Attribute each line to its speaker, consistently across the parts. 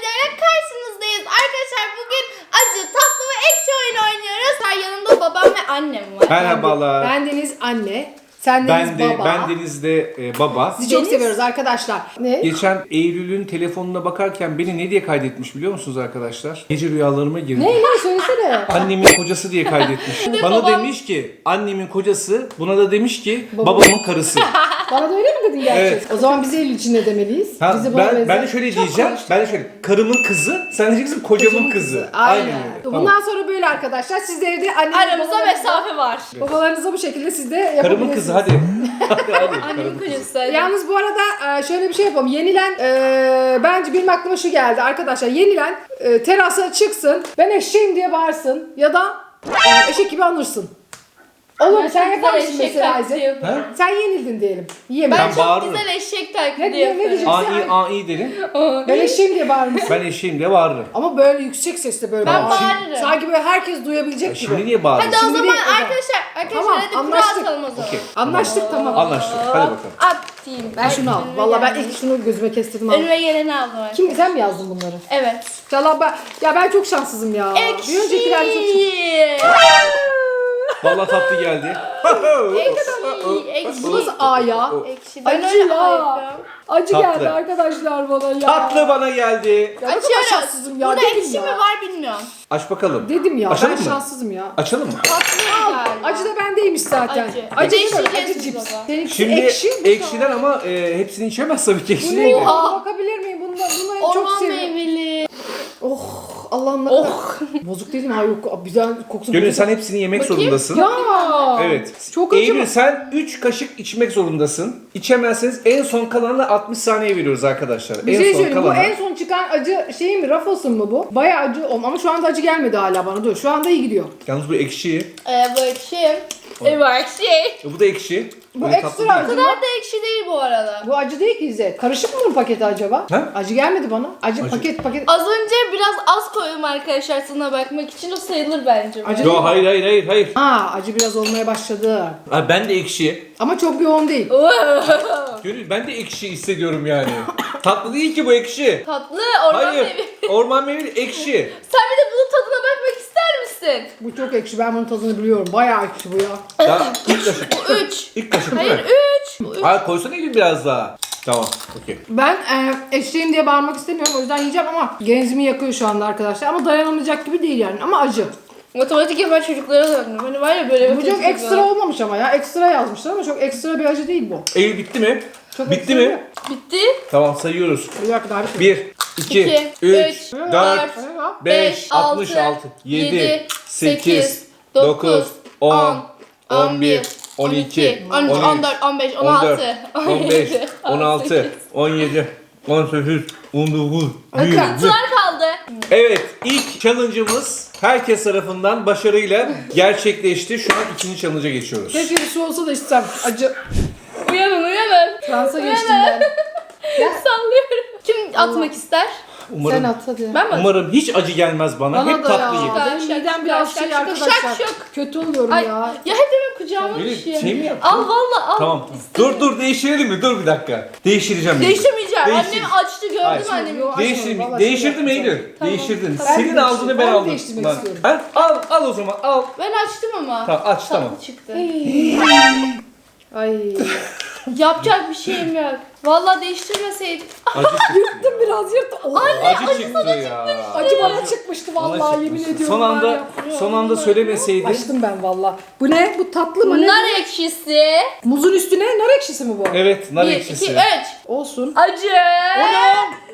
Speaker 1: videoyla karşınızdayız. Arkadaşlar bugün acı, tatlı ve ekşi oyun oynuyoruz. Yanımda babam ve annem var.
Speaker 2: Merhabalar.
Speaker 3: Ben Deniz anne. Sen Deniz baba.
Speaker 2: Ben Deniz de baba.
Speaker 3: Sizi çok seviyoruz arkadaşlar. Ne?
Speaker 2: Geçen Eylül'ün telefonuna bakarken beni ne diye kaydetmiş biliyor musunuz arkadaşlar? Gece rüyalarıma girdi.
Speaker 3: Ne söylesene.
Speaker 2: Annemin kocası diye kaydetmiş. Bana
Speaker 1: babam-
Speaker 2: demiş ki annemin kocası, buna da demiş ki babamın karısı.
Speaker 3: Bana da öyle mi dedin gerçi?
Speaker 2: Evet.
Speaker 3: O zaman biz Eylül için ne demeliyiz?
Speaker 2: Ha,
Speaker 3: Bizi bana
Speaker 2: ben
Speaker 3: benzer.
Speaker 2: de şöyle diyeceğim. Ben de şöyle karımın kızı, sen diyeceksin kocamın kızı.
Speaker 3: Aynen.
Speaker 2: öyle.
Speaker 3: Bundan
Speaker 2: Tamam.
Speaker 3: sonra böyle arkadaşlar. Sizleri de
Speaker 1: Aramızda mesafe var.
Speaker 3: babalarınıza bu şekilde siz de yapabilirsiniz.
Speaker 2: Karımın kızı hadi. hadi
Speaker 1: Annemin
Speaker 2: karımın kızı.
Speaker 1: kocası.
Speaker 3: Yalnız bu arada şöyle bir şey yapalım. Yenilen bence benim aklıma şu geldi arkadaşlar. Yenilen terasa çıksın. Ben eşeğim diye bağırsın. Ya da eşek gibi anırsın. Olur mu? Sen yapar mısın mesela Ayze?
Speaker 2: Ha?
Speaker 3: Sen yenildin diyelim. Yiyemem.
Speaker 1: Ben
Speaker 2: Ben
Speaker 1: çok
Speaker 2: bağırırım.
Speaker 1: güzel eşek
Speaker 3: Ne
Speaker 1: taklidi
Speaker 3: diyeceksin?
Speaker 1: yapıyorum.
Speaker 2: Ai derim.
Speaker 3: Ben eşeğim diye bağırmışsın.
Speaker 2: Ben eşeğim diye bağırırım.
Speaker 3: Ama böyle yüksek sesle böyle
Speaker 1: Ben
Speaker 3: bağır.
Speaker 1: bağırırım.
Speaker 3: Sanki böyle herkes duyabilecek
Speaker 2: Şimdi
Speaker 3: gibi.
Speaker 2: niye bağırıyorsun?
Speaker 1: Hadi o
Speaker 3: Şimdi
Speaker 1: zaman
Speaker 3: değil, o zaman.
Speaker 1: arkadaşlar
Speaker 3: Tamam,
Speaker 1: hadi kura
Speaker 3: anlaştık.
Speaker 1: atalım o zaman.
Speaker 2: Okey.
Speaker 3: Anlaştık tamam.
Speaker 2: Anlaştık. Hadi bakalım.
Speaker 1: Atayım.
Speaker 3: Ben şunu al. Valla ben ilk şunu gözüme kestirdim. Al.
Speaker 1: Önüme geleni aldım.
Speaker 3: Kim sen mi yazdın bunları?
Speaker 1: Evet.
Speaker 3: İnşallah ben çok şanssızım ya.
Speaker 1: Ekşi.
Speaker 3: Bir öncekilerde çok
Speaker 2: Vallahi tatlı geldi.
Speaker 1: Ekşi.
Speaker 3: Bu nasıl A ya?
Speaker 1: Ekşi. Ben
Speaker 3: Acı
Speaker 1: öyle
Speaker 3: ya.
Speaker 1: yapıyorum.
Speaker 3: Acı
Speaker 2: Tatlı.
Speaker 3: geldi arkadaşlar bana ya.
Speaker 2: Tatlı bana geldi.
Speaker 3: Ya ne kadar
Speaker 1: Açıyoruz.
Speaker 3: şanssızım ya.
Speaker 1: Burada
Speaker 3: Dedim
Speaker 1: ekşi
Speaker 3: ya.
Speaker 1: mi var bilmiyorum.
Speaker 2: Aç bakalım.
Speaker 3: Dedim ya
Speaker 2: Açalım
Speaker 3: ben
Speaker 2: mı?
Speaker 3: şanssızım ya.
Speaker 2: Açalım mı?
Speaker 1: Tatlı galiba.
Speaker 3: Acı da bendeymiş zaten.
Speaker 1: Acı.
Speaker 3: Acı
Speaker 1: Acı
Speaker 3: böyle,
Speaker 1: içeceğiz
Speaker 3: acı
Speaker 1: biz
Speaker 3: cips.
Speaker 1: baba.
Speaker 3: Seninkisi
Speaker 2: Şimdi
Speaker 3: ekşi.
Speaker 2: ekşiler ama hepsini içemez tabii ki
Speaker 3: Bu
Speaker 2: ekşi
Speaker 3: ne
Speaker 2: değil.
Speaker 3: ya?
Speaker 1: Oha.
Speaker 3: Bakabilir miyim? Bunu çok
Speaker 1: Orman
Speaker 3: seviyorum.
Speaker 1: meyveli.
Speaker 3: Oh Allah'ım ne kadar. Bozuk değil mi? Hayır yok. Güzel kokusu.
Speaker 2: Gönül
Speaker 3: bozuk.
Speaker 2: sen hepsini yemek
Speaker 1: Bakayım.
Speaker 2: zorundasın.
Speaker 3: Ya.
Speaker 2: Evet.
Speaker 3: Çok acı
Speaker 2: Eylül
Speaker 3: mı?
Speaker 2: sen 3 kaşık içmek zorundasın. İçemezseniz en son kalanına 60 saniye veriyoruz arkadaşlar.
Speaker 3: Bir
Speaker 2: en
Speaker 3: şey
Speaker 2: son
Speaker 3: söyleyeyim. Bu
Speaker 2: kalanına.
Speaker 3: en son çıkan acı şey mi? Ruffles'ın mı bu? Bayağı acı ama şu anda acı gelmedi hala bana. Dur şu anda iyi gidiyor.
Speaker 2: Yalnız bu ekşi.
Speaker 1: Bu ekşi. Bu ekşi.
Speaker 2: Bu da ekşi.
Speaker 3: Bu
Speaker 2: Böyle
Speaker 3: ekstra
Speaker 2: tatlı değil.
Speaker 1: O
Speaker 3: acı.
Speaker 1: kadar da ekşi değil bu arada.
Speaker 3: Bu acı değil ki İzzet. Karışık mı bunun paketi acaba?
Speaker 2: Ha?
Speaker 3: Acı gelmedi bana. Acı
Speaker 2: Acı.
Speaker 3: paket.
Speaker 1: Az önce biraz az koydum arkadaşlar tadına bakmak için. O sayılır bence.
Speaker 3: Acı-
Speaker 2: Yo hayır.
Speaker 3: Acı biraz olmaya başladı.
Speaker 2: Ha, ben de ekşi.
Speaker 3: Ama çok yoğun değil.
Speaker 2: Gönül ben de ekşi hissediyorum yani. Tatlı değil ki bu ekşi.
Speaker 1: Tatlı orman
Speaker 2: Hayır.
Speaker 1: meyveli.
Speaker 2: Orman meyveli ekşi.
Speaker 1: Sen bir de bunun tadına bakmak ister misin?
Speaker 3: Bu çok ekşi. Ben bunun tadını biliyorum. Bayağı ekşi bu ya.
Speaker 2: Daha ilk kaşık.
Speaker 1: Bu 3.
Speaker 2: İlk kaşık değil
Speaker 1: Hayır
Speaker 2: mi?
Speaker 1: 3. Bu 3.
Speaker 2: Hayır koysana Eylül biraz daha. Tamam. Okey.
Speaker 3: Ben eşeğim diye bağırmak istemiyorum. O yüzden yiyeceğim ama genzimi yakıyor şu anda arkadaşlar. Ama dayanamayacak gibi değil yani. Ama acı.
Speaker 1: Matematik yapan çocuklara da bakmıyorum. Hani var ya böyle
Speaker 3: Bu çok ekstra olmamış ama ya. Ekstra yazmışlar ama çok ekstra bir acı değil bu.
Speaker 2: Eylül bitti mi?
Speaker 3: Çok
Speaker 2: Bitti
Speaker 3: ekstra
Speaker 2: mi?
Speaker 3: değil.
Speaker 1: Bitti.
Speaker 2: Tamam sayıyoruz.
Speaker 3: Bir dakika daha bir şey.
Speaker 2: 1, 2,
Speaker 1: İki,
Speaker 2: 3,
Speaker 1: üç,
Speaker 2: 4,
Speaker 1: dört,
Speaker 2: 5, 66, 7, 8, 9, 10, 11, 12,
Speaker 1: 13, 14, 15, 16,
Speaker 2: 15, 16, 17, 18, 19, 20.
Speaker 1: Kırıntılar kaldı.
Speaker 2: Evet, ilk challenge'ımız herkes tarafından başarıyla gerçekleşti. Şu an ikinci challenge'a geçiyoruz.
Speaker 3: Keşke bir su olsa da içsem. Acı.
Speaker 1: Uyanın uyanın.
Speaker 3: Fransa geçtim ben.
Speaker 1: Sallıyorum. Kim atmak ister?
Speaker 3: Sen
Speaker 2: Umarım,
Speaker 3: at hadi.
Speaker 1: Ben mi?
Speaker 2: umarım hiç acı gelmez bana.
Speaker 3: Bana
Speaker 2: Hep
Speaker 3: da
Speaker 2: tatlı
Speaker 3: ya.
Speaker 2: yedim.
Speaker 3: Benim
Speaker 1: Şak,
Speaker 3: midem
Speaker 1: şak,
Speaker 3: biraz
Speaker 1: şak,
Speaker 3: şey
Speaker 1: şak,
Speaker 3: arkadaşlar.
Speaker 1: şak, şak.
Speaker 3: Kötü oluyorum
Speaker 1: Ay,
Speaker 3: ya.
Speaker 1: ya hep benim kucağıma
Speaker 2: Böyle
Speaker 1: düşüyor.
Speaker 2: şey mi yaptın?
Speaker 1: Al valla al.
Speaker 2: Tamam. Dur değiştirelim mi? Dur bir dakika. Değiştireceğim.
Speaker 1: Değiştirmeyeceğim.
Speaker 2: Değiştir.
Speaker 1: Annem açtı gördüm
Speaker 2: Hayır.
Speaker 1: annemi.
Speaker 3: Yok.
Speaker 2: Değiştirdim.
Speaker 3: Vallahi
Speaker 2: Değiştirdim
Speaker 3: şey
Speaker 2: Eylül.
Speaker 1: Tamam.
Speaker 2: Değiştirdin.
Speaker 1: Tamam.
Speaker 2: Senin
Speaker 3: Ben
Speaker 2: aldığını ben
Speaker 3: değiştirmek
Speaker 2: aldım.
Speaker 3: istiyorum.
Speaker 2: Ha? Al o zaman al.
Speaker 1: Ben açtım ama.
Speaker 2: Tamam aç tamam.
Speaker 1: Tatlı çıktı.
Speaker 3: Ay.
Speaker 1: Yapacak bir şeyim yok. Valla değiştirmeseydim.
Speaker 2: Acı çıktı.
Speaker 3: Biraz yırttım. Oh.
Speaker 2: Acı çıktı ya.
Speaker 3: Acı bana çıkmıştı
Speaker 2: Bana
Speaker 3: vallahi
Speaker 2: çıkmıştı.
Speaker 3: yemin ediyorum.
Speaker 2: Son
Speaker 3: var
Speaker 2: anda
Speaker 3: ya.
Speaker 2: son anda söylemeseydin.
Speaker 3: Açtım ben valla. Bu ne? Bu tatlı mı? Ne?
Speaker 1: Nar ekşisi.
Speaker 3: Muzun üstüne nar ekşisi mi bu?
Speaker 2: Evet nar
Speaker 1: 1,
Speaker 2: ekşisi.
Speaker 1: 2, 3.
Speaker 3: Olsun.
Speaker 1: Acı.
Speaker 2: O ne?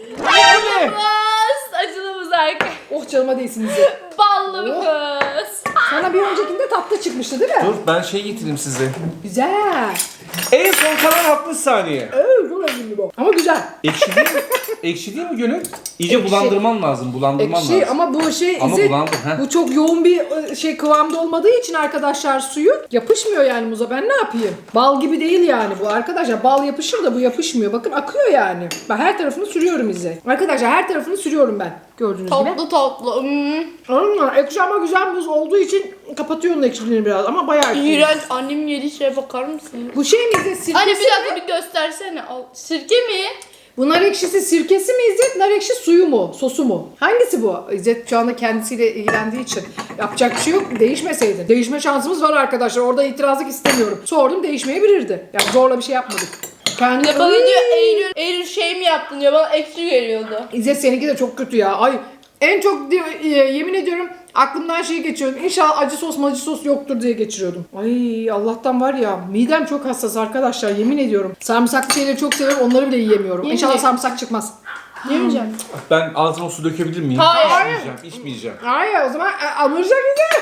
Speaker 1: Acılımız. Acılımız arka.
Speaker 3: Oh canıma değsin bize.
Speaker 1: Ballımız.
Speaker 3: Sana bir öncekinde tatlı çıkmıştı değil mi?
Speaker 2: Dur ben şey getireyim size.
Speaker 3: Güzel.
Speaker 2: En son kalan 60 saniye.
Speaker 3: Çok lezzetli bu. Ama güzel.
Speaker 2: Ekşi değil mi? Ekşi değil mi Gönül? İyice bulandırman lazım. Bulandırman
Speaker 3: Ekşi
Speaker 2: lazım.
Speaker 3: ama bu şey
Speaker 2: Ama
Speaker 3: İzzet,
Speaker 2: bulandı, he.
Speaker 3: bu çok yoğun bir şey kıvamda olmadığı için arkadaşlar suyu yapışmıyor yani muza. Ben ne yapayım? Bal gibi değil yani bu arkadaşlar. Bal yapışır da bu yapışmıyor. Bakın akıyor yani. Ben her tarafını sürüyorum İzzet. Arkadaşlar her tarafını sürüyorum ben. Gördüğünüz gibi.
Speaker 1: Toplu toplu.
Speaker 3: Ekşi ama güzel muz olduğu için kapatıyor onun ekşiliğini biraz ama bayağı ekşi.
Speaker 1: İğrenç. Annemin yediği şeye bakar mısın?
Speaker 3: Bu şey mi İzzet? Sirkesi
Speaker 1: Anne bir
Speaker 3: mi?
Speaker 1: dakika bir göstersene. Al. Sirke mi?
Speaker 3: Bu nar ekşisi sirkesi mi İzzet? Nar ekşi suyu mu? Sosu mu? Hangisi bu? İzzet şu anda kendisiyle ilgilendiği için yapacak bir şey yok. Değişmeseydi. Değişme şansımız var arkadaşlar. Orada itirazlık istemiyorum. Sordum değişmeyebilirdi. Yani zorla bir şey yapmadık. Kendi...
Speaker 1: Ya bana diyor Eylül şey mi yaptın diyor, bana ekşi geliyordu.
Speaker 3: İzzet seninki de çok kötü ya. Ay en çok diyor, yemin ediyorum aklımdan şey geçiyordum. İnşallah acı sos yoktur diye geçiriyordum. Ay Allah'tan var ya midem çok hassas arkadaşlar yemin ediyorum. Sarımsaklı şeyleri çok seviyorum onları bile yiyemiyorum.
Speaker 1: Yemin
Speaker 3: İnşallah
Speaker 1: et.
Speaker 3: sarımsak çıkmaz.
Speaker 1: Yemeyeceğim.
Speaker 2: Ben ağzıma su dökebilir miyim?
Speaker 1: Hayır.
Speaker 2: İçmeyeceğim.
Speaker 3: Hayır o zaman alıracak bize.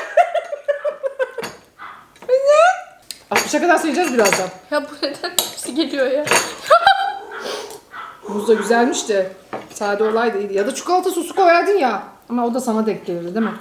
Speaker 3: Ne? 60'a kadar sayacağız birazdan.
Speaker 1: Ya bu neden hepsi geliyor ya?
Speaker 3: Muz da güzelmiş de sade olaydı iyiydi. Ya da çikolata sosu koyardın ya. Ama o da sana denk gelirdi değil mi?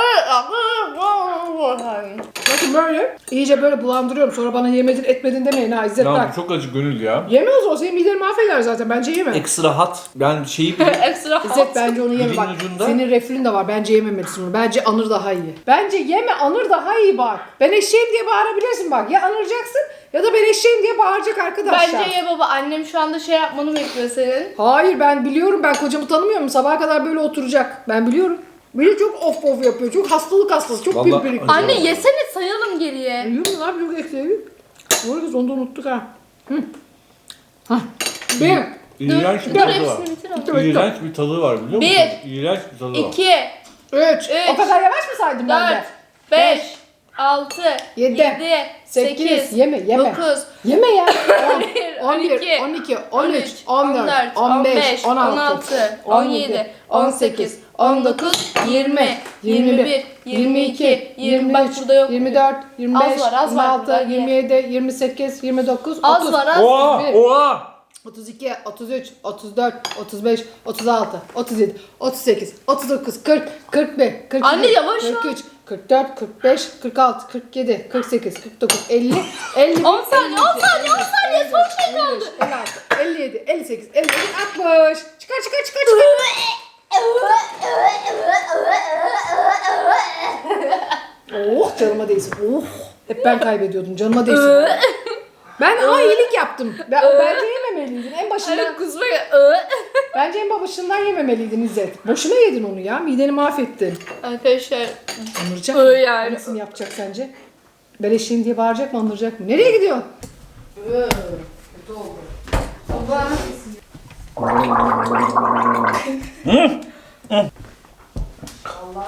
Speaker 3: Bakın böyle iyice böyle bulandırıyorum. Sonra bana yemedin etmedin demeyin ha İzzet
Speaker 2: Ya
Speaker 3: bak.
Speaker 2: bu çok acı gönül ya.
Speaker 3: Yeme o zaman senin mideni mahveder zaten. Bence yeme.
Speaker 2: Ekstra hot. Ben şeyi
Speaker 1: Ekstra
Speaker 3: İzzet bence onu yeme
Speaker 2: Dilin
Speaker 3: bak.
Speaker 2: ucunda.
Speaker 3: Senin reflün de var. Bence yememelisin onu. Bence anır daha iyi. Bence yeme anır daha iyi bak. Ben eşeğim diye bağırabilirsin bak. Ya anıracaksın ya da ben eşeğim diye bağıracak arkadaşlar.
Speaker 1: Bence ye baba, annem şu anda şey yapmanı bekliyor senin.
Speaker 3: Hayır ben biliyorum. Ben kocamı tanımıyorum. Sabaha kadar böyle oturacak. Ben biliyorum. Böyle çok of yapıyor. Çok hastalık hastası. Çok
Speaker 2: Vallahi
Speaker 3: pimpirikli.
Speaker 2: acı.
Speaker 1: Anne yesene, sayalım geriye.
Speaker 3: Biliyor musun abi çok ekleyelim. Bu arada onu da unuttuk ha. Hı. Hah. Bir.
Speaker 2: İğrenç bir
Speaker 1: Dur
Speaker 2: tadı var.
Speaker 1: hepsini bitir ama.
Speaker 2: İğrenç bir tadı var biliyor musun?
Speaker 1: Bir,
Speaker 2: İğrenç bir tadı var.
Speaker 1: 2,
Speaker 3: Üç. O kadar yavaş mı saydım ben
Speaker 1: 4,
Speaker 3: de?
Speaker 1: 5, 6,
Speaker 3: Yedi,
Speaker 1: 7,
Speaker 3: 8,
Speaker 1: 8,
Speaker 3: yeme.
Speaker 1: 9,
Speaker 3: Yeme ya. 10,
Speaker 1: 12,
Speaker 3: 12, 13, 14, 15, 16, 17, 18, 19, 20, 21, 22, 20, bak burada yok. 24, 25,
Speaker 1: Az var
Speaker 3: 26,
Speaker 1: burada,
Speaker 3: 27, 28, 29, 30.
Speaker 1: Az var az.
Speaker 2: Oha!
Speaker 3: Bir.
Speaker 2: Oha!
Speaker 3: 32, 33, 34, 35, 36, 37, 38, 39, 40, 41, 42,
Speaker 1: Anne yavaş ol.
Speaker 3: 43, 44, 45, 46, 47, 48, 49, 50, 50.
Speaker 1: 10 saniye, 10 saniye, 10 saniye, son şey kaldı.
Speaker 3: 56, 57, 58, 59, 60. Çıkar. Oh canıma değsin. Oh. Hep ben kaybediyordum. Canıma değsin. Ben iyilik yaptım. Bence yememeliydin. En başından.
Speaker 1: Anne kusmaya.
Speaker 3: Bence en başından yememeliydin İzzet. Boşuna yedin onu ya. Mideni mahvettin.
Speaker 1: Arkadaşlar.
Speaker 3: Anıracak mı?
Speaker 1: Yani.
Speaker 3: Hangisini yapacak sence? Ben eşeğim diye bağıracak mı anıracak mı? Nereye gidiyorsun? Kötü oldu. Baba. Allah.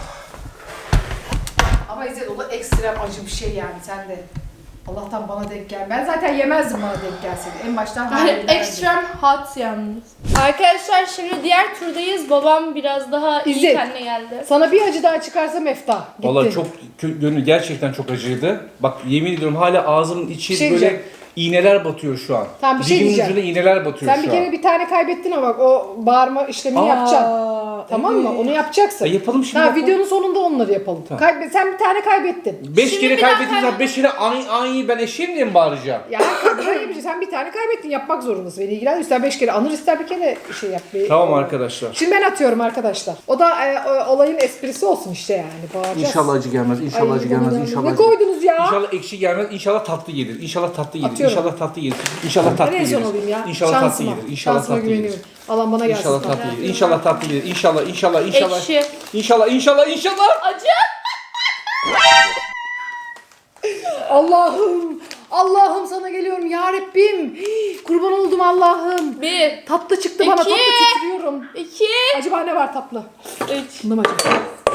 Speaker 3: Ama İzzet o da ekstrem acı bir şey yani sen de. Allah'tan bana denk gel. Ben zaten yemezdim bana denk gelseydi. En baştan hayır derdim.
Speaker 1: Extreme hot yalnız. Arkadaşlar şimdi diğer turdayız. Babam biraz daha iyi
Speaker 3: İzzet.
Speaker 1: kendine geldi.
Speaker 3: Sana bir acı daha çıkarsa mefta. Gitti.
Speaker 2: Vallahi çok gönül gerçekten çok acıydı. Bak yemin ediyorum hala ağzımın içi
Speaker 3: Bir şey
Speaker 2: böyle
Speaker 3: diyeceğim.
Speaker 2: iğneler batıyor şu an.
Speaker 3: Tamam, bir şey
Speaker 2: Dilimin
Speaker 3: diyeceğim.
Speaker 2: ucuna iğneler batıyor
Speaker 3: Sen
Speaker 2: şu
Speaker 3: bir
Speaker 2: an.
Speaker 3: kere bir tane kaybettin ama bak o bağırma işlemini yapacaksın. Tamam mı? Onu yapacaksın.
Speaker 2: Yapalım şimdi.
Speaker 3: Ha,
Speaker 2: yapalım.
Speaker 3: videonun sonunda onları yapalım.
Speaker 2: Tamam.
Speaker 3: Sen bir tane kaybettin.
Speaker 2: 5
Speaker 1: Şimdi
Speaker 2: kere
Speaker 1: bir daha
Speaker 2: kaybettiğim 5 kere aynı ben eşeğim diye mi bağıracağım?
Speaker 3: Ya böyle bir şey. Sen bir tane kaybettin. Yapmak zorundasın. Beni ilgilendir. İster 5 kere anır ister bir kere şey yap.
Speaker 2: Tamam arkadaşlar.
Speaker 3: Şimdi ben atıyorum arkadaşlar. O da olayın esprisi olsun işte yani. Bağıracağız.
Speaker 2: İnşallah acı gelmez. İnşallah
Speaker 3: Ay,
Speaker 2: acı gelmez.
Speaker 3: bana-
Speaker 2: İnşallah.
Speaker 3: Ne
Speaker 2: acı-
Speaker 3: koydunuz ya?
Speaker 2: İnşallah ekşi gelmez. İnşallah tatlı gelir. İnşallah tatlı gelir.
Speaker 3: Atıyorum.
Speaker 2: İnşallah tatlı gelir. İnşallah tatlı
Speaker 3: Ben en
Speaker 2: gelir.
Speaker 3: son olayım ya.
Speaker 2: İnşallah tatlı
Speaker 3: Şansıma.
Speaker 2: gelir. İnşallah
Speaker 3: Şansıma
Speaker 2: tatlı gelir.
Speaker 3: güveniyorum. Allah bana gelsin.
Speaker 2: İnşallah tatlı gelir. İnşallah tatlı gelir. İnşallah.
Speaker 1: Ekşi.
Speaker 2: İnşallah.
Speaker 1: Acı.
Speaker 3: Allah'ım sana geliyorum ya Rabbim. Hii, kurban oldum Allah'ım.
Speaker 1: 1,
Speaker 3: Tatlı çıktı bana.
Speaker 1: İki.
Speaker 3: Tatlı titriyorum.
Speaker 1: 2,
Speaker 3: Acaba ne var tatlı?
Speaker 1: 3.
Speaker 3: Bunda mı acı?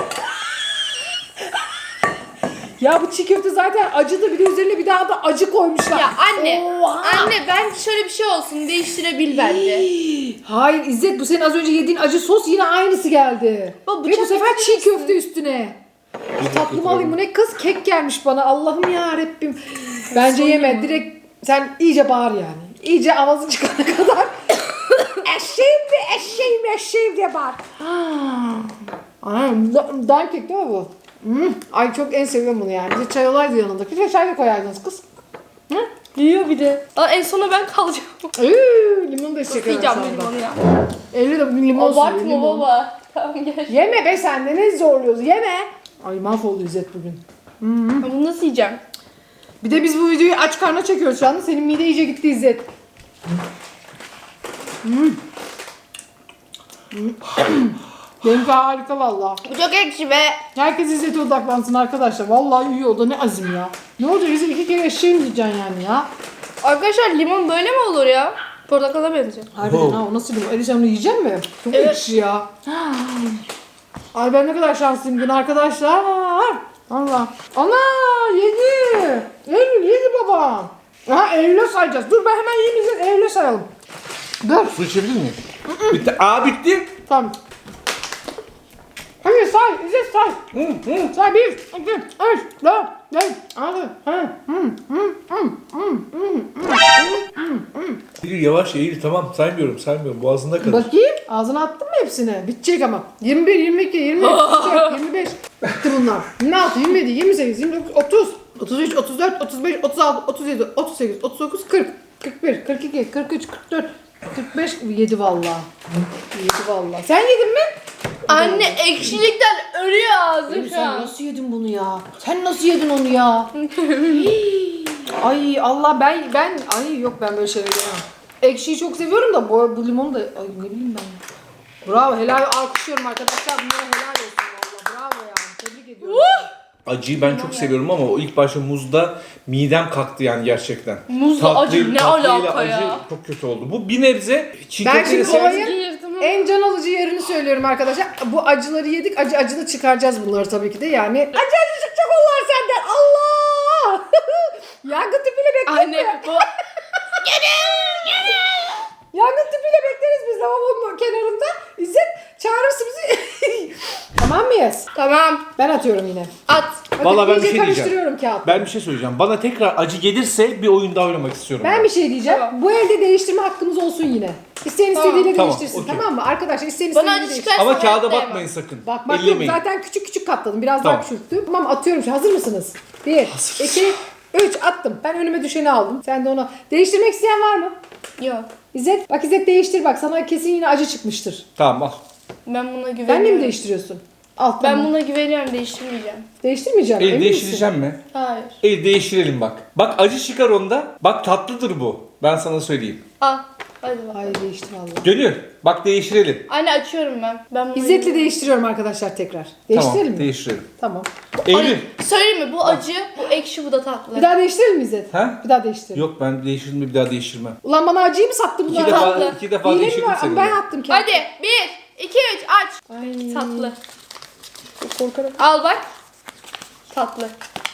Speaker 3: Ya bu çiğ köfte zaten acıdı. Bir de üzerine bir daha da acı koymuşlar.
Speaker 1: Ya anne.
Speaker 3: Oha!
Speaker 1: Anne bence şöyle bir şey olsun. Değiştirebil bence.
Speaker 3: Hayır İzzet bu senin az önce yediğin acı sos yine aynısı geldi.
Speaker 1: Baba,
Speaker 3: Ve bu
Speaker 1: bıçak
Speaker 3: sefer çiğ
Speaker 1: getirir
Speaker 3: köfte üstüne. Tatlımı alayım. Bu ne kız? Kek gelmiş bana. Allah'ım ya Rabbim. Bence
Speaker 1: Son
Speaker 3: yeme.
Speaker 1: ya.
Speaker 3: Direkt sen iyice bağır yani. İyice avazın çıkana kadar. Eşeğim diye bağır. Anam dar kek değil mi bu? Ay çok en seviyorum bunu yani. Bir de çay olaydı yanında. Bir de çay da koyardınız kız.
Speaker 1: Yiyor bir de. Aa, en sona ben kalacağım.
Speaker 3: Limon da içecek
Speaker 1: Yiyeceğim
Speaker 3: herhalde.
Speaker 1: bu limonu ya.
Speaker 3: Elli de limon suyu.
Speaker 1: Abartma
Speaker 3: limon.
Speaker 1: baba. Tamam gel.
Speaker 3: Yeme be sen de ne zorluyoruz. Yeme. Ay mahvoldu İzzet bugün.
Speaker 1: Bunu nasıl yiyeceğim?
Speaker 3: Bir de biz bu videoyu aç karnına çekiyoruz şu anda. Senin mide iyice gitti İzzet. Benimki harika valla.
Speaker 1: Bu çok ekşi ve
Speaker 3: Herkes İzzet'e odaklansın arkadaşlar. Vallahi iyi oldu. Ne azim ya. Ne olacak İzzet 2 kere eşeğim diyeceksin yani ya.
Speaker 1: arkadaşlar limon böyle mi olur ya? Portakala benziyor.
Speaker 3: Harbiden
Speaker 2: Oh.
Speaker 3: ha o nasıl limon? Sen onu yiyecek misin? Çok
Speaker 1: Evet.
Speaker 3: ekşi ya. Ay ben ne kadar şanslıyım bugün arkadaşlar. Allah. Ana yedi. Eylül yedi babam. Aha Eylül'e sayacağız. Dur ben hemen yiyeyim İzzet. Eylül'e sayalım. Dur.
Speaker 2: Su içebilir miyim? Bitti. Aa bitti.
Speaker 3: Tamam. Hadi say İzzet say. Say 1, 2, 3, 4, 5, 6.
Speaker 2: Eylül yavaş Eylül tamam saymıyorum. Boğazında kalır.
Speaker 3: Bakayım. Ağzına attın mı hepsini? Bitecek ama. 21, 22, 23, 24, 25. Bitti bunlar. 26, 27, 28, 29, 30, 33, 34, 35, 36, 37, 38, 39, 40, 41, 42, 43, 44, 45, yedi vallahi. Yedi vallahi. Sen yedin mi?
Speaker 1: Anne ekşilikten ölüyor ağzım şu
Speaker 3: Sen
Speaker 1: an.
Speaker 3: nasıl yedin bunu ya? Sen nasıl yedin onu ya? Ay Allah ben ay yok ben böyle şeyler yemem. Ekşiyi çok seviyorum da bu limonu da ay ne bileyim ben. Bravo helal alkışlıyorum arkadaşlar. Bunlara helal olsun valla. Bravo yani. Tebrik ediyorum.
Speaker 2: Acıyı ben çok seviyorum ama o ilk başta muzda midem kalktı yani gerçekten.
Speaker 1: Muzla acı ne
Speaker 2: tatlıyla
Speaker 1: alaka
Speaker 2: acı
Speaker 1: ya?
Speaker 2: çok kötü oldu. Bu bir nebze çiğ
Speaker 3: Ben
Speaker 2: köfteyle
Speaker 3: şimdi
Speaker 2: seven-
Speaker 3: olayın en can alıcı yerini söylüyorum arkadaşlar. Bu acıları yedik. Acı da çıkaracağız bunları tabii ki de yani. Acı çıkacak onlar senden. Allah! Yangın tüpüyle bekliyor.
Speaker 1: Anne bu
Speaker 3: Yangın tüpüyle bekleriz biz lavabonun kenarında. İzzet çağırırsın bizi. Tamam mıyız?
Speaker 1: tamam
Speaker 3: Ben atıyorum yine.
Speaker 1: at.
Speaker 3: Bakın
Speaker 2: Vallahi ben bir
Speaker 3: iyice
Speaker 2: şey diyeceğim.
Speaker 3: karıştırıyorum kağıtları.
Speaker 2: Ben bir şey söyleyeceğim. Bana tekrar acı gelirse bir oyun daha oynamak istiyorum.
Speaker 3: Ben bir şey diyeceğim.
Speaker 1: Tamam.
Speaker 3: Bu elde değiştirme hakkımız olsun yine. İsteyen
Speaker 1: Tamam.
Speaker 3: istediğiyle
Speaker 2: Tamam,
Speaker 3: değiştirsin
Speaker 2: okey.
Speaker 3: tamam mı? Arkadaşlar isteyen
Speaker 1: Bana
Speaker 3: istediğiyle
Speaker 1: acı
Speaker 3: değiştirsin.
Speaker 1: çıkarsa
Speaker 2: Ama kağıda
Speaker 1: hayatta
Speaker 2: bakmayın
Speaker 1: yemem.
Speaker 2: sakın.
Speaker 3: Bak yok
Speaker 2: Ellemeyin.
Speaker 3: zaten küçük katladım. Biraz
Speaker 2: Tamam.
Speaker 3: daha küçülttüm. Tamam atıyorum şimdi. Hazır mısınız? 1, 2, 3 attım. Ben önüme düşeni aldım. Sen de onu. Değiştirmek isteyen var mı?
Speaker 1: Yok.
Speaker 3: İzzet bak İzzet değiştir bak. Sana kesin yine acı çıkmıştır.
Speaker 2: Tamam al.
Speaker 1: Ben buna güveniyorum.
Speaker 3: Sen de mi değiştiriyorsun? Al
Speaker 1: Ben
Speaker 3: tamam.
Speaker 1: buna güveniyorum değiştirmeyeceğim.
Speaker 3: Değiştirmeyeceğim.
Speaker 2: El
Speaker 3: emin
Speaker 2: değiştireceğim mi?
Speaker 1: Hayır.
Speaker 2: El değiştirelim bak. Bak acı çıkar onda. Bak tatlıdır bu. Ben sana söyleyeyim.
Speaker 1: Al. Hadi
Speaker 3: misin?
Speaker 1: bak.
Speaker 3: Hayır değiştir valla.
Speaker 2: Gönül bak değiştirelim.
Speaker 1: Anne açıyorum ben. Ben bunu
Speaker 3: İzzet'le değiştiriyorum arkadaşlar tekrar. Değiştirelim
Speaker 2: Tamam
Speaker 3: mi?
Speaker 2: değiştirelim.
Speaker 3: Tamam.
Speaker 2: Eylül.
Speaker 1: Söyleyeyim mi? Bu acı, bu ekşi, bu da tatlı.
Speaker 3: Bir daha değiştirelim mi İzzet?
Speaker 2: Ha?
Speaker 3: Bir daha değiştirelim.
Speaker 2: Yok ben değiştirdim bir daha değiştirmem.
Speaker 3: Ulan bana acıyı mı sattın
Speaker 2: İki
Speaker 3: bunlar?
Speaker 2: defa,
Speaker 1: tatlı.
Speaker 2: iki defa
Speaker 3: Hile mi
Speaker 2: değiştirdim
Speaker 3: var?
Speaker 2: seni.
Speaker 3: Ben attım kendimi.
Speaker 1: Hadi 1, 2, 3 aç.
Speaker 3: Ay.
Speaker 1: Tatlı.
Speaker 3: Çok korkarım.
Speaker 1: Al bak. Tatlı.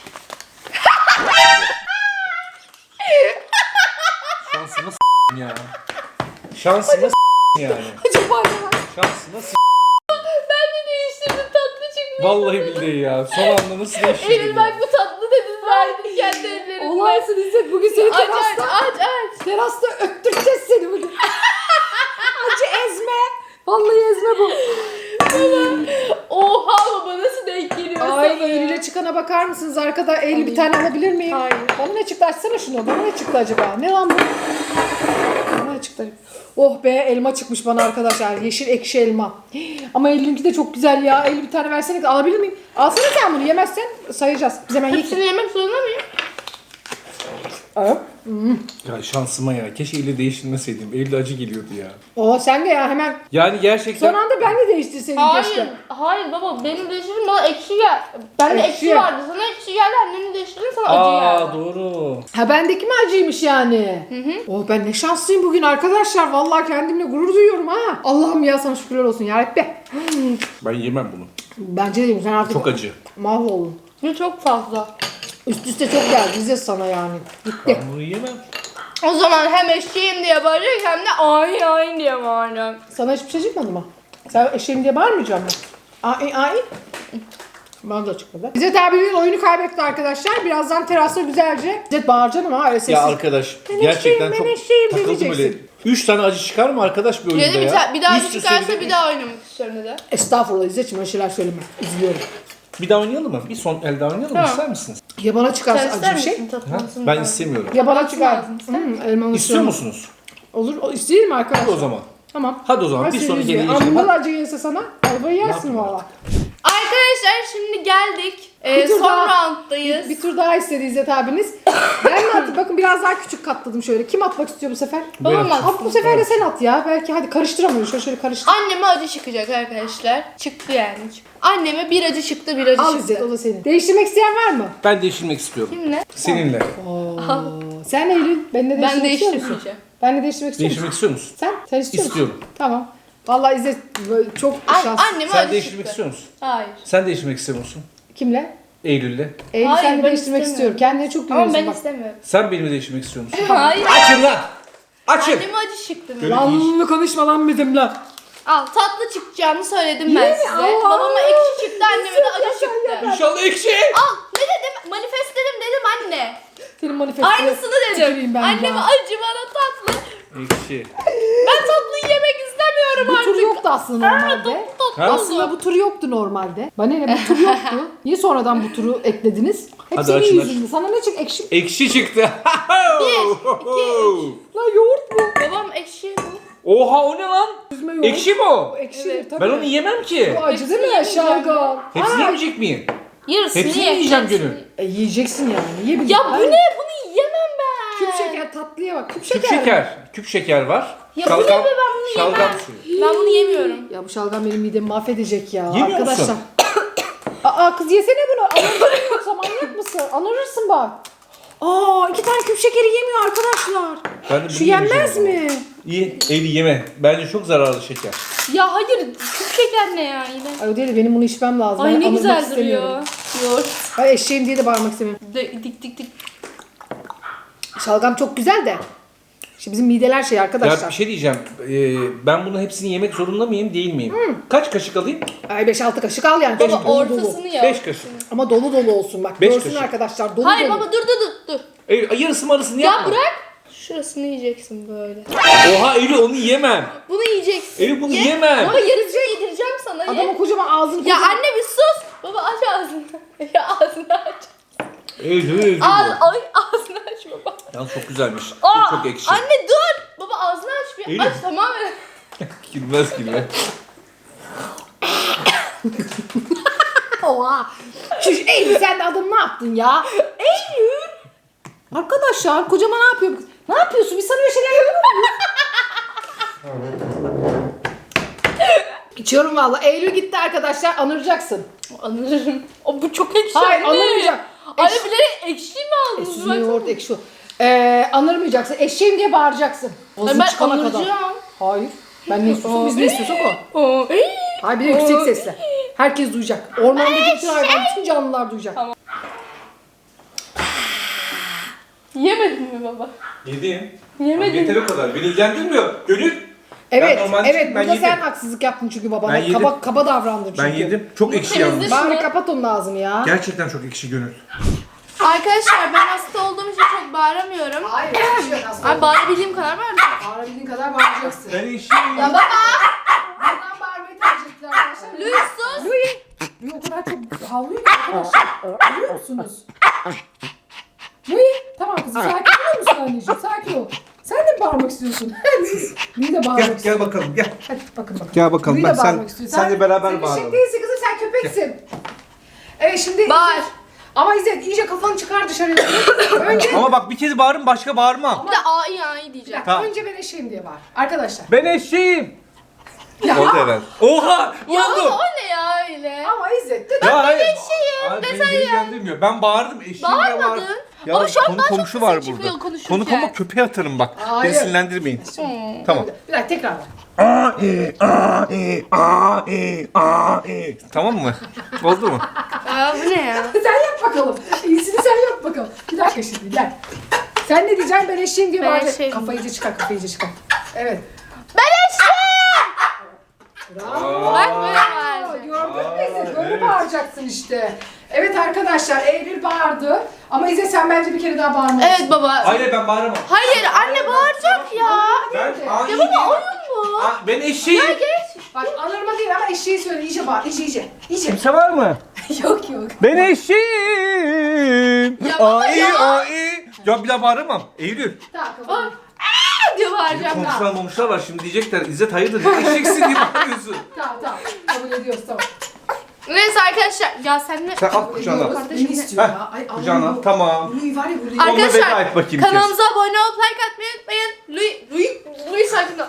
Speaker 2: Şansıma s*** ya. Şansıma s*** yani.
Speaker 3: Acaba ya.
Speaker 2: Şansıma s***.
Speaker 1: Ben de değiştirdim tatlı çıkmış.
Speaker 2: Vallahi billahi ya. Son anda nasıl değiştirdin
Speaker 1: Eylül
Speaker 2: ya?
Speaker 1: bak bu tatlı dedin verdin kendi ellerini.
Speaker 3: Olaysın İzzet bugün seni
Speaker 1: Aç aç
Speaker 3: terasta,
Speaker 1: aç.
Speaker 3: terasta öttüreceğiz seni bugün. Acı ezme. Vallahi ezme bu.
Speaker 1: Oha baba nasıl denk geliyor sana
Speaker 3: Ay
Speaker 1: ya?
Speaker 3: Eylül'e çıkana bakar mısınız arkada? Eylül bir tane alabilir miyim?
Speaker 1: Hayır.
Speaker 3: Bana ne çıktı? Açsana şunu. Bana ne çıktı acaba? Ne lan bu? Bana ne çıktı? Oh be elma çıkmış bana arkadaşlar. Yeşil ekşi elma. Ama Eylül'ünki de çok güzel ya. Eylül bir tane versene. Alabilir miyim? Alsana sen bunu. Yemezsen sayacağız. Biz hemen
Speaker 1: Hepsini
Speaker 3: yiyip.
Speaker 1: yemek zorunda mıyım?
Speaker 3: Evet.
Speaker 2: Ya şansıma ya. Keşke eli değiştirmeseydim. Elde acı geliyordu ya.
Speaker 3: Oo sen de ya hemen.
Speaker 2: Yani gerçekten...
Speaker 3: Son anda ben de değiştirseydim keşke.
Speaker 1: Hayır. Hayır baba benim değiştirdim bana ekşi gel. Bende
Speaker 3: Ekşi.
Speaker 1: ekşi vardı. Sana ekşi geldi. Annemin değiştirdin sana acı
Speaker 2: Aa
Speaker 1: geldi.
Speaker 2: doğru.
Speaker 3: Ha bendeki mi acıymış yani? Oh ben ne şanslıyım bugün arkadaşlar. Vallahi kendimle gurur duyuyorum ha. Allah'ım ya sana şükürler olsun yarabbi.
Speaker 2: Ben yemem bunu.
Speaker 3: Bence de sen artık
Speaker 2: Çok acı.
Speaker 3: mahvoldun.
Speaker 1: Bu çok fazla.
Speaker 3: Üst üste çok geldi İzzet sana yani. Gitti.
Speaker 2: Ben bunu yemem.
Speaker 1: O zaman hem eşeğim diye bağırıyor hem de ay ay diye bağırıyor.
Speaker 3: Sana hiçbir şey çıkmadı mı? Sen eşeğim diye bağırmayacağım mı? Ay ay. Bana da çıkmadı. İzzet abinin oyunu kaybetti arkadaşlar. Birazdan terasta güzelce. İzzet bağıracaksın ama öyle sessiz.
Speaker 2: Ya arkadaş
Speaker 3: Ben
Speaker 2: gerçekten
Speaker 3: eşeğim,
Speaker 2: çok
Speaker 3: ben eşeğim
Speaker 2: takıldım öyle.
Speaker 3: diyeceksin.
Speaker 2: 3 tane acı çıkar mı arkadaş bir oyunda
Speaker 1: Dedi
Speaker 2: ya?
Speaker 1: bir daha
Speaker 2: Üst üste
Speaker 1: çıkarsa
Speaker 2: de-
Speaker 1: bir daha oynamak istiyorum dedi.
Speaker 3: Estağfurullah İzzet'ciğim öyle şeyler söyleme. Üzülüyorum.
Speaker 2: Bir daha oynayalım mı? Bir son el daha oynayalım mı?
Speaker 1: Tamam.
Speaker 2: İster misiniz?
Speaker 3: Ya bana çıkarsa
Speaker 1: Sen
Speaker 3: acı
Speaker 1: ister
Speaker 3: bir şey.
Speaker 1: misin
Speaker 2: Ha?
Speaker 1: tatlısını?
Speaker 2: Ben istemiyorum.
Speaker 3: Ya bana
Speaker 1: Tatlısı
Speaker 3: çıkar.
Speaker 1: lazım, ister
Speaker 3: Elmalı
Speaker 2: İstiyor
Speaker 3: sürüm.
Speaker 2: musunuz?
Speaker 3: Olur. İsteyelim
Speaker 2: Hadi
Speaker 3: arkadaşlar.
Speaker 2: o zaman.
Speaker 3: Tamam.
Speaker 2: Hadi o zaman
Speaker 3: Ben
Speaker 2: bir
Speaker 3: seni
Speaker 2: sonraki
Speaker 3: üzüyorum.
Speaker 2: yere geçelim.
Speaker 3: Ama bundan acı gelirse sana ayvayı yersin
Speaker 2: yapayım
Speaker 3: valla.
Speaker 1: Arkadaşlar Arkadaşlar şimdi geldik.
Speaker 3: Bir tur
Speaker 1: Son
Speaker 3: daha-
Speaker 1: rounddayız.
Speaker 3: Bir tur daha istedi İzzet abiniz. Ben de atayım. Bakın biraz daha küçük katladım şöyle. Kim atmak istiyor bu sefer?
Speaker 1: Babam
Speaker 2: Ben-
Speaker 1: atsın.
Speaker 3: At bu sefer de sen at ya. Belki hadi karıştıramıyorum. Şöyle karıştır.
Speaker 1: Anneme acı çıkacak arkadaşlar. Çıktı yani. Anneme bir acı çıktı, bir acı
Speaker 3: Al
Speaker 1: çıktı.
Speaker 3: İzzet, o da senin. Değiştirmek isteyen var mı?
Speaker 2: Ben değiştirmek istiyorum.
Speaker 1: Kimle?
Speaker 2: Seninle.
Speaker 3: Oo. Sen Eylül, benimle değiştirmek
Speaker 1: Ben
Speaker 3: istiyor musun?
Speaker 1: değiştirmeyeceğim.
Speaker 3: Benle değiştirmek istiyor musun?
Speaker 2: Değiştirmek istiyor musun?
Speaker 3: Sen istiyor musun?
Speaker 2: İstiyorum.
Speaker 3: Tamam. Vallahi İzzet böyle çok şanslı.
Speaker 1: Anneme
Speaker 2: Sen
Speaker 1: acı
Speaker 2: değiştirmek
Speaker 1: çıktı.
Speaker 2: istiyor musun?
Speaker 1: Hayır.
Speaker 2: Sen değiştirmek istiyor musun?
Speaker 3: Kimle?
Speaker 2: Eylül'le.
Speaker 3: Eylül
Speaker 1: Hayır,
Speaker 3: sen de
Speaker 1: ben
Speaker 3: değiştirmek
Speaker 1: istemiyorum.
Speaker 3: istiyor. Kendine çok
Speaker 1: Ama
Speaker 3: güveniyorsun
Speaker 1: ben
Speaker 3: bak.
Speaker 1: istemiyorum.
Speaker 2: Sen benimle değiştirmek istiyor musun?
Speaker 1: Hayır.
Speaker 2: Açın lan! Açın!
Speaker 1: Anneme acı çıktı.
Speaker 2: Böyle-
Speaker 3: Lan konuşma lan bizimle.
Speaker 1: Al, tatlı çıkacağını söyledim
Speaker 3: Yine
Speaker 1: ben
Speaker 3: mi?
Speaker 1: size.
Speaker 3: Allah!
Speaker 1: Babama ekşi çıktı, anneme de acı çıktı.
Speaker 2: İnşallah ekşi!
Speaker 1: Al, ne dedim? Manifestledim dedim anne.
Speaker 3: Senin manifestine
Speaker 1: Aynısını
Speaker 3: tüküreyim
Speaker 1: dedim.
Speaker 3: ben
Speaker 1: Anneme
Speaker 3: ya.
Speaker 1: acı, bana tatlı.
Speaker 2: Ekşi.
Speaker 1: Ben tatlıyı yemek istemiyorum
Speaker 3: Bu
Speaker 1: artık.
Speaker 3: tur yoktu aslında normalde.
Speaker 1: Tatlı
Speaker 2: Ha?
Speaker 1: oldu.
Speaker 3: Aslında bu tur yoktu normalde. Bana ne bu tur yoktu. Niye sonradan bu turu eklediniz? Hep
Speaker 2: Hadi
Speaker 3: senin
Speaker 2: açın,
Speaker 3: yüzünden. Sana ne çık ekşi?
Speaker 2: Ekşi çıktı.
Speaker 3: Lan yoğurt mu?
Speaker 1: Babam ekşi bu.
Speaker 2: Oha o ne lan?
Speaker 3: Üzme yoğurt.
Speaker 2: Ekşi mi o?
Speaker 3: Ekşi
Speaker 1: Evet.
Speaker 3: tabii.
Speaker 2: Ben onu yemem ki.
Speaker 3: Bu acı değil mi?
Speaker 1: Hepsini
Speaker 3: Şalgam.
Speaker 2: Hepsini
Speaker 3: Ha,
Speaker 2: yemeyecek miyim?
Speaker 1: Yarısını
Speaker 2: Hepsini
Speaker 1: ye.
Speaker 2: yiyeceğim
Speaker 1: hepsini.
Speaker 2: Gönül.
Speaker 3: yiyeceksin yani. Yiyebilirsin.
Speaker 1: Ya bu ne? Bunu yiyemem ben.
Speaker 3: Küp şeker tatlıya bak. Küp şeker.
Speaker 2: Küp şeker. Küp şeker var.
Speaker 1: Ya bu ne be, ben bunu
Speaker 2: şalgam
Speaker 1: yemem.
Speaker 2: suyu.
Speaker 1: Ben bunu yemiyorum.
Speaker 3: Ya bu şalgam benim midemi mahvedecek ya.
Speaker 2: Yemiyor
Speaker 3: Arkadaşlar.
Speaker 2: musun?
Speaker 3: Aa kız yesene bunu. Anırırsın yoksa manyak mısın? Anırırsın bak. Aa 2 tane küp şekeri yemiyor arkadaşlar.
Speaker 2: Ben de bunu
Speaker 3: Şu yenmez
Speaker 2: yemeyeceğim
Speaker 3: mi?
Speaker 2: İyi. Eli yeme. Bence çok zararlı şeker.
Speaker 1: Ya hayır, küp şeker ne ya yine?
Speaker 3: Ay o değil de benim bunu içmem lazım.
Speaker 1: Ay
Speaker 3: Ben
Speaker 1: ne
Speaker 3: anırmak
Speaker 1: güzel
Speaker 3: istemiyorum.
Speaker 1: duruyor. Yoğurt.
Speaker 3: Ben eşeğim diye de bağırmak istemiyorum.
Speaker 1: Dik.
Speaker 3: Şalgam çok güzel de. Şimdi bizim mideler şey arkadaşlar.
Speaker 2: Ya bir şey diyeceğim. Ben bunu hepsini yemek zorunda mıyım değil miyim? Kaç kaşık alayım?
Speaker 3: Ay 5-6 kaşık al yani.
Speaker 1: Baba
Speaker 3: Dolu dolu.
Speaker 1: ortasını yap.
Speaker 2: 5 kaşık.
Speaker 3: Ama dolu dolu olsun bak.
Speaker 2: Beş
Speaker 3: Görsün
Speaker 2: kaşık.
Speaker 3: arkadaşlar dolu
Speaker 1: Hayır
Speaker 3: dolu.
Speaker 1: baba, dur.
Speaker 2: Yarısı marısını
Speaker 1: Ya
Speaker 2: yapma.
Speaker 1: bırak. Şurasını yiyeceksin böyle.
Speaker 2: Oha Eylül onu yemem.
Speaker 1: Bunu yiyeceksin.
Speaker 2: Eylül bunu
Speaker 1: Ye.
Speaker 2: yemem.
Speaker 1: Ama yarısını yedireceğim sana. Ye.
Speaker 3: Adamın kocaman ağzını
Speaker 1: Ya
Speaker 3: kocaman.
Speaker 1: anne bir sus. Baba aç ağzını. Ya ağzını aç.
Speaker 2: Eylül.
Speaker 1: Ağzını aç baba.
Speaker 2: Ya çok güzelmiş.
Speaker 1: Aa,
Speaker 2: Çok ekşi.
Speaker 1: Anne dur. Baba ağzını aç bir.
Speaker 2: Eylül.
Speaker 1: Aç tamamen.
Speaker 2: Gülmez gülme.
Speaker 3: Oha. Şu Eylül sen de adam ne yaptın ya? Eylül. Arkadaşlar kocama ne yapıyor? Ne yapıyorsun? Biz sana öyle şeyler yapıyor muyuz? İçiyorum valla. Eylül gitti arkadaşlar. Anıracaksın.
Speaker 1: Anırırım. O bu çok ekşi.
Speaker 3: Hayır
Speaker 1: anne.
Speaker 3: anırmayacak.
Speaker 1: Anne bilerek ekşi mi aldınız?
Speaker 3: Süzme yoğurt ekşi. Anırmayacaksın. Eşeğim diye bağıracaksın. Vazın
Speaker 1: Ben
Speaker 3: çıkana kadar.
Speaker 1: anıracağım.
Speaker 3: Hayır. Ben ne istiyorsam biz ne istiyorsak o.
Speaker 1: Oo, ey.
Speaker 3: Hayır bir de yüksek sesle. Herkes duyacak. Ormandaki bütün hayvan, bütün canlılar duyacak.
Speaker 1: Tamam. Yemedin mi baba?
Speaker 2: Yedim.
Speaker 1: Yemedin.
Speaker 2: Yeter o kadar. Beni ilgilendirmiyor. Gönül.
Speaker 3: Evet,
Speaker 2: Ben normalde
Speaker 3: evet.
Speaker 2: ben
Speaker 3: Burada
Speaker 2: yedim.
Speaker 3: sen haksızlık yaptın çünkü babana.
Speaker 2: Ben yedim.
Speaker 3: Kaba davrandın çünkü.
Speaker 2: Ben yedim. Çok ekşi
Speaker 1: temizdir.
Speaker 2: yalnız.
Speaker 3: Bari kapat onun ağzını ya.
Speaker 2: Gerçekten çok ekşi Gönül.
Speaker 1: Arkadaşlar ben hasta olduğum için çok bağıramıyorum.
Speaker 3: Hayır, bir şey yok aslında.
Speaker 1: Ay bağırabildiğim kadar bağıracağım.
Speaker 3: Bağırabildiğin kadar bağıracaksın.
Speaker 2: Ben ekşiyim.
Speaker 1: Ya baba.
Speaker 3: Buradan bağırmayı tercih ettiler arkadaşlar.
Speaker 1: Louis sus.
Speaker 3: Louis o kadar çok havlıyor ki arkadaşlar. Görüyor musunuz? Louis, tamam kızım sakin olur musun anneciğim? Sakin ol. Sen de mi bağırmak istiyorsun? Louis de bağırmak
Speaker 2: Gel,
Speaker 3: istiyor.
Speaker 2: gel bakalım gel.
Speaker 3: Hadi bakın bakalım.
Speaker 2: Gel bakalım.
Speaker 3: Louis de
Speaker 2: Ben
Speaker 3: bağırmak istiyor.
Speaker 2: sen de beraber
Speaker 3: Sen
Speaker 2: bağıralım.
Speaker 3: eşek değilsin kızım, sen köpeksin. Evet şimdi...
Speaker 1: Bağır.
Speaker 3: Ama İzzet iyice kafanı çıkar dışarıya. Önce...
Speaker 2: Ama bak bir kez bağırın başka bağırmam.
Speaker 1: Bir de ay diyeceğim.
Speaker 2: Tamam.
Speaker 3: Önce ben eşeğim diye bağır. Arkadaşlar.
Speaker 2: Ben eşeğim.
Speaker 3: Ya,
Speaker 2: Oldu herhalde. Oha!
Speaker 1: Ya
Speaker 2: Oldu.
Speaker 1: baba o ne ya öyle?
Speaker 3: ama İzzet de
Speaker 2: Ya hayır.
Speaker 1: eşeğim
Speaker 2: Hayır,
Speaker 1: desen
Speaker 2: beni ilgilendirmiyor. Ben bağırdım eşeğim diye
Speaker 1: Bağırmadın.
Speaker 2: bağırdım. Ya
Speaker 1: Ama şu an
Speaker 2: konu
Speaker 1: daha çok
Speaker 2: komşu
Speaker 1: sesin
Speaker 2: var
Speaker 1: çıkıyor
Speaker 2: burada.
Speaker 1: konuşurken.
Speaker 2: Konu komşu köpeğe atarım bak.
Speaker 3: Hayır.
Speaker 2: Beni sinirlendirmeyin. Tamam.
Speaker 3: Bir dakika tekrar ver.
Speaker 2: Tamam mı? Oldu mu?
Speaker 1: Aa bu ne ya?
Speaker 3: Sen yap bakalım. İyisini sen yap bakalım. Bir dakika şimdi gel. Sen ne diyeceksin? Ben eşeğim diye
Speaker 1: Ben
Speaker 3: bağıracaksın.
Speaker 1: eşeğim.
Speaker 3: Kafayı iyice çıkar, kafayı iyice çıkar. Evet.
Speaker 1: Ben eşeğim.
Speaker 3: Bravo.
Speaker 1: Bak böyle bağırdı.
Speaker 3: Gördün mü İzzet? Böyle bağıracaksın işte. Evet arkadaşlar Eylül bağırdı. Ama İzzet sen bence bir kere daha bağırmalısın.
Speaker 1: Evet baba.
Speaker 2: Hayır ben bağıramam.
Speaker 1: Hayır anne bağıracak ya.
Speaker 2: Ben
Speaker 1: Ya baba oyun bu.
Speaker 2: Ben eşeğim.
Speaker 1: Geç.
Speaker 3: Bak anırma değil ama eşeği söyle. İyice bağır. İyice. İyice.
Speaker 2: Kimse var mı?
Speaker 3: Yok yok.
Speaker 2: Ben eşeğim.
Speaker 1: Ya baba ya.
Speaker 2: Ai. Ya bir daha bağıramam. Eylül.
Speaker 3: Tamam kapat.
Speaker 1: Diye bağıracağım.
Speaker 2: Komşular var şimdi diyecekler. İzzet hayırdır? Ne eşeksin diye bağırıyorsun.
Speaker 3: Tamam. Kabul ediyoruz tamam.
Speaker 1: Neyse arkadaşlar. Ya sen ne?
Speaker 2: Sen al kucağına.
Speaker 3: Kardeşim ne istiyor ya? Ay
Speaker 2: Kucağına.
Speaker 3: Allah'ım.
Speaker 2: Tamam.
Speaker 3: Louis var ya burada.
Speaker 2: Onunla veda
Speaker 1: Arkadaşlar
Speaker 2: et bakayım
Speaker 1: kanalımıza abone olup like atmayı unutmayın. Louis sakın